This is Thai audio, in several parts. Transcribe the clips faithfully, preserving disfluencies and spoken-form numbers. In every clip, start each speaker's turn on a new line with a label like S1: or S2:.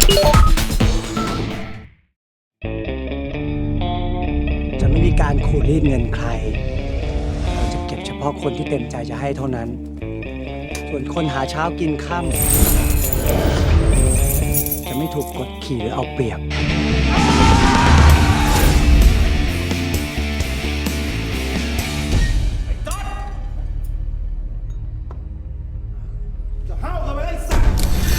S1: จะไม่มีการขูดรีดเงินใครเราจะเก็บเฉพาะคนที่เต็มใจจะให้เท่านั้น ส่วนคนหาเช้ากินค่ำจะไม่ถูกกดขี่หรือเอาเปรียบ
S2: จะห้าวกันไปไอ้สัตว์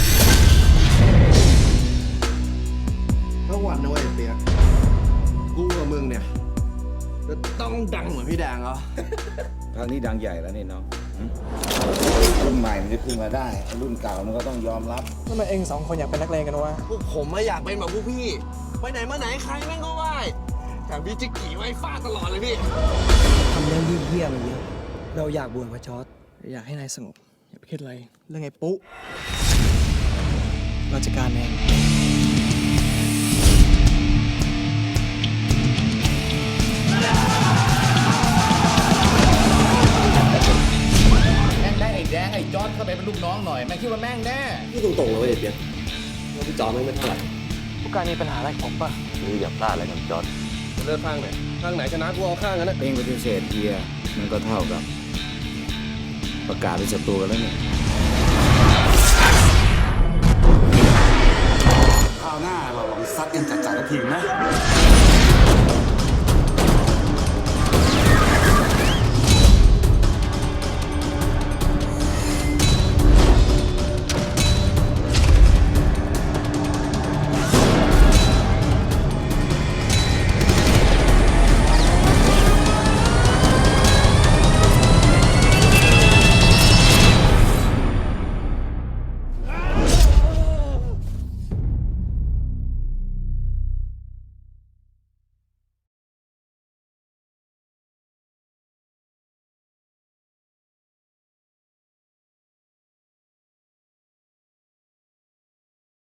S2: ทั้งวันนะเว้ยเปียกกูกับมึงเนี่ยจะต้องดังเหมือนพี่แดงเหรอ
S3: ครั้งนี้ดังใหญ่แล้วนี่น้องรุ่นใหม่มันจะขึ้นมาได้รุ่นเก่ามันก็ต้องยอมรับ
S4: ทำไมเองสองคนอยากเป็นนักเลงกันวะ
S2: พวกผมไม่อยากเป็นแบบพวกพี่ ไปไหนมาไหนใครแม่งก็ไหว้แต่พี่จิกกี้ไว้ฟาดตลอดเลยพี่
S1: ทำเรื่องเหี้ยๆมันเยอะ เราอยากบวชพระจอร์จ
S4: อยากให้นายสงบอย่าไปคิดอะไรเรื่องไอ้ปุ๊เราจัดการเอง
S5: แม่งได้ไอ้แดงไอ้จอร์ดเข้าไปเป็นลูกน้องหน่อยแม่งคิดว่าแม่งแน่
S2: พี่ตรงๆเลยเว้ยเปียกว่าพี่จอไม่ไม่เท่าไหร่
S4: ผู้การมีปัญหาอะไรกับผมป่ะ
S5: มึงอย่าพลาดอะไรกับจอร์ด
S2: จะเลือกข้างไหนข้างไหนชนะกูเอาข้างนั้นนะ
S3: เองปฏิเสธเฮียมันก็เท่ากับ ประกาศเป็นศัตรูกันแล้วเนี่ย